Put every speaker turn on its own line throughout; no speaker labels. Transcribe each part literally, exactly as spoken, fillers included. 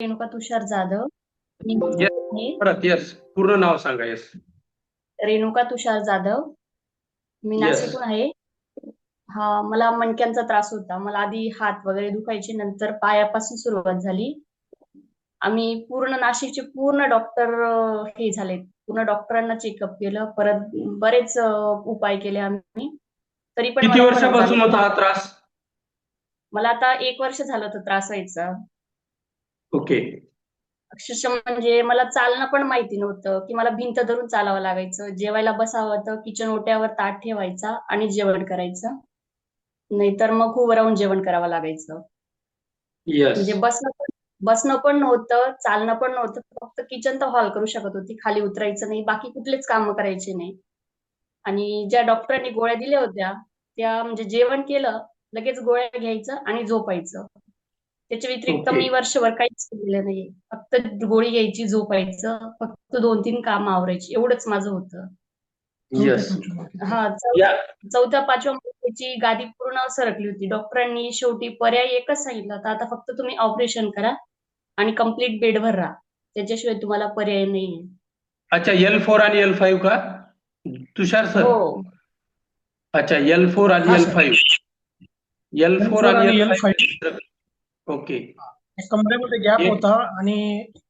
रेणुका तुषार जाधव. मी
येस
आहे
परत येस पूर्ण नाव सांगा. येस
रेणुका तुषार जाधव. मी
येस
नाशिकहून आहे. हा, मला मणक्यांचा त्रास होता. मला आधी हात वगैरे दुखायचे, नंतर पायापासून सुरुवात झाली. आम्ही पूर्ण नाशिकचे पूर्ण डॉक्टर हे झाले. पूर्ण डॉक्टरांना चेकअप केलं, परत बरेच अ, उपाय केले आम्ही, तरी पण
किती
मला फरक
वर्षापासून
जाणवत
होता हा
नव्हता.
त्रास?
मला आता एक वर्ष झालं होतं त्रास व्हायचा.
ओके.
अक्षरशः म्हणजे मला चालणं पण माहिती नव्हतं, की मला भिंत धरून चालावं लागायचं. जेवायला बसावं तर किचन ओट्यावर ताट ठेवायचा आणि जेवण करायचं. नाहीतर मग उभं राहून जेवण करावं लागायचं.
येस
म्हणजे बसणं पण बसणं पण नव्हतं, चालणं पण नव्हतं. फक्त किचन तर हॉल करू शकत होती. खाली उतरायचं नाही, बाकी कुठलेच कामं करायचे नाही. आणि ज्या डॉक्टरांनी गोळ्या दिल्या होत्या, त्या म्हणजे जेवण केलं, लगेच गोळ्या घ्यायचं आणि झोपायचं. त्याच्या व्यतिरिक्त
ओके.
मी वर्षभर काहीच केलेलं नाहीये. फक्त गोळी घ्यायची, झोपायचं, फक्त दोन तीन कामं आवरायची, एवढंच माझं होतं.
येस
हा, चौ
या
चौथ्या पाचव्या महिन्याची गादी पूर्ण सरकली होती. डॉक्टरांनी शेवटी पर्याय एकच सांगितला होता, आता फक्त तुम्ही ऑपरेशन करा आणि कंप्लीट बेडवर राहा. त्याच्याशिवाय तुम्हाला पर्याय नाहीये.
अच्छा, एल फोर आणि एल फाईव्ह का तुषार सर?
हो.
अच्छा, एल फोर आणि
हा
L
sir.
Five L
L
four
four
आणि
आणि
L
L five
five okay.
कमरेमध्ये गॅप
एक
होता आणि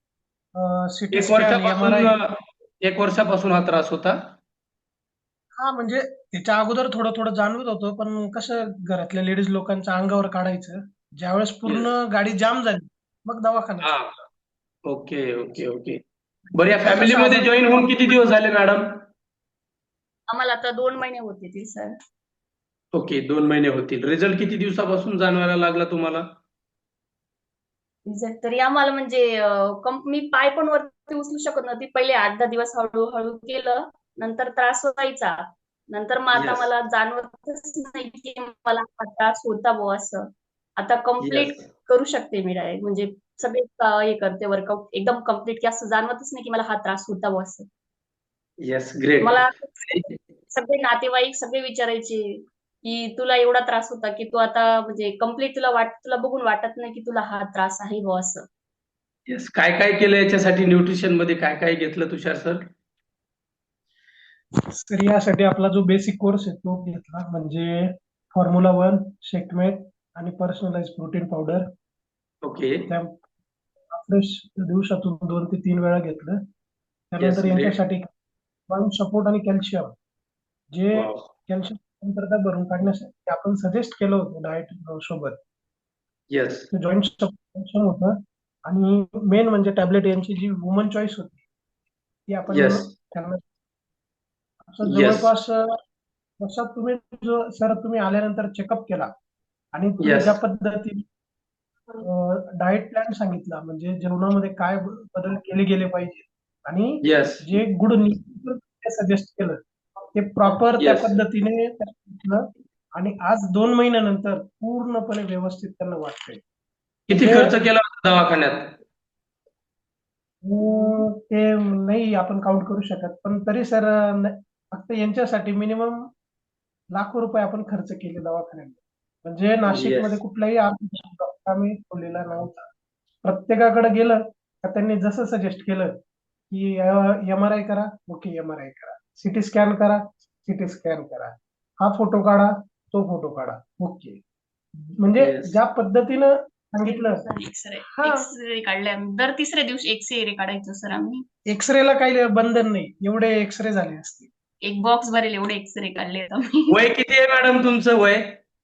सिटी
एक
स्कॅन एम आर
वर्षापासून
आय.
एक वर्षापासून हा त्रास होता.
हा म्हणजे त्याच्या अगोदर थोडं थोडं जाणवत होतं, पण कसं घरातल्या लेडीज लोकांच्या अंगावर काढायचं. ज्यावेळेस पूर्ण
येस
गाडी जाम झाली, मग दवाखान्यात.
हा ओके ओके ओके. बरं, या
आता कसं
फॅमिलीमध्ये
अजून
जॉईन होऊन किती दिवस झाले मॅडम?
आम्हाला आता दोन महिने होते सर.
ओके, दोन महिने होतील. रिझल्ट किती दिवसापासून जाणवायला लागला तुम्हाला?
रिझल्ट तरी आम्हाला म्हणजे अं, कम- मी पाय पण वरती उचलू शकत नव्हती. पहिले आठ दहा दिवस हळूहळू केलं, नंतर त्रास व्हायचा. नंतर मग आता
येस
मला जाणवतच नाही की मला हा त्रास होता बुवा असं. आता
येस
कम्प्लीट करू शकते मी डायरेक्ट, म्हणजे सगळे अं, हे करते वर्कआउट एकदम कम्प्लीट, की असं जाणवतच नाही की मला हा त्रास होता बुवा असं.
Yes great.
मला सगळे नातेवाईक सगळे विचारायचे की तुला एवढा त्रास होता की तू आता म्हणजे कम्प्लीट तुला वाट तुला बघून वाटत नाही की तुला हा त्रास आहे बुवा असं.
येस काय काय केलं याच्यासाठी? न्यूट्रिशन मध्ये काय काय घेतलं तुषार सर?
तर यासाठी आपला जो बेसिक कोर्स आहे तो घेतला, म्हणजे फॉर्म्युला वन, शेकमेट आणि पर्सनलाइज प्रोटीन पावडर.
ओके.
त्या फ्रेश दिवसातून दोन ते तीन वेळा घेतलं.
येस
त्यानंतर
ग्रेट.
यांच्यासाठी सपोर्ट आणि कॅल्शियम, जे
वाव.
कॅल्शियम कमतरता भरून काढण्यासाठी आपण सजेस्ट केलं होतं डाएट सोबत.
येस
जॉईंट कॅल्शियम होतं. आणि मेन म्हणजे टॅबलेट यांची जी वुमन चॉईस होती, ती आपण
येस
त्यांना असं
येस
जवळपास जसं तुम्ही जो सर तुम्ही आल्यानंतर चेकअप केला आणि तुम्ही
येस
ज्या पद्धतीने डाएट प्लॅन सांगितला, म्हणजे जेवणामध्ये काय बदल केले गेले पाहिजे आणि
येस
जे गुड सजेस्ट केलं, ते प्रॉपर त्या
येस.
पद्धतीने सांगितलं. आणि आज दोन महिन्यानंतर पूर्णपणे व्यवस्थित त्यांना वाटतंय.
किती
म्हणजे
खर्च केला होता दवाखान्यात?
अं, ते नाही आपण काउंट करू शकत, पण तरी सर फक्त यांच्यासाठी मिनिमम लाखो रुपये आपण खर्च केले दवाखान्यात. म्हणजे नाशिकमध्ये
येस
कुठलाही डॉक्टर आम्ही ठेवलेला नव्हता. प्रत्येकाकडे गेलं का त्यांनी जसं सजेस्ट केलं की एम आर आय करा, ओके एम आर आय करा, सिटी स्कॅन करा, सिटी स्कॅन करा, हा फोटो काढा, तो फोटो काढा, ओके. म्हणजे
येस.
ज्या पद्धतीनं सांगितलं.
एक्सरे
हा,
एक्सरे काढले आम्ही. दर तिसऱ्या दिवशी एक्सरे काढायचो सर आम्ही.
एक्सरेला काही बंधन नाही, एवढे एक्सरे झाले असते.
एक बॉक्स भरेल एवढे एक्सरे काढले आम्ही.
वय किती आहे मॅडम तुमचं वय?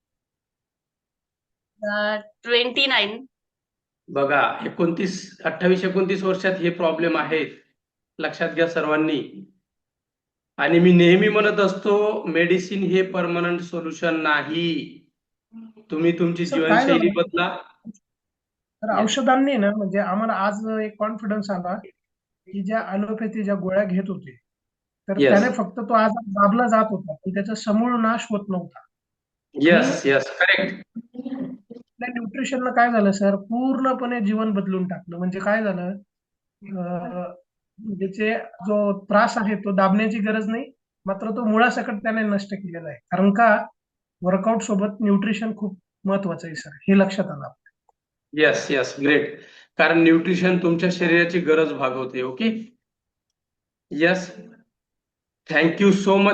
Twenty nine.
बघा, एकोणतीस अठ्ठावीस एकोणतीस वर्षात हे प्रॉब्लेम आहेत, लक्षात घ्या सर्वांनी. आणि मी नेहमी म्हणत असतो, मेडिसिन हे परमनंट सोल्युशन नाही. तुम्ही तुमची
सर काय
जीवनशैली
झालं,
बदला.
तर
येस
औषधांनी ना म्हणजे आम्हाला आज एक कॉन्फिडन्स आला की ज्या ॲलोपॅथी ज्या गोळ्या घेत होते, तर
येस
त्याने फक्त तो आजार दाबला जात होता, पण त्याचा समूळ नाश होत नव्हता. आणि
येस येस करेक्ट.
त्या न्यूट्रिशननं काय झालं सर, पूर्णपणे जीवन बदलून टाकलं. म्हणजे काय झालं, अं, ज्याचे जो त्रास आहे तो दाबण्याची गरज नाही, मात्र तो मुळासकट त्याने नष्ट केलेला आहे. कारण का, वर्कआउट सोबत न्यूट्रिशन खूप महत्वाचं आहे सर, हे लक्षात आलं.
Yes yes great. कारण न्यूट्रिशन तुमच्या शरीराची गरज भागवते. Okay. Yes. Thank you so much.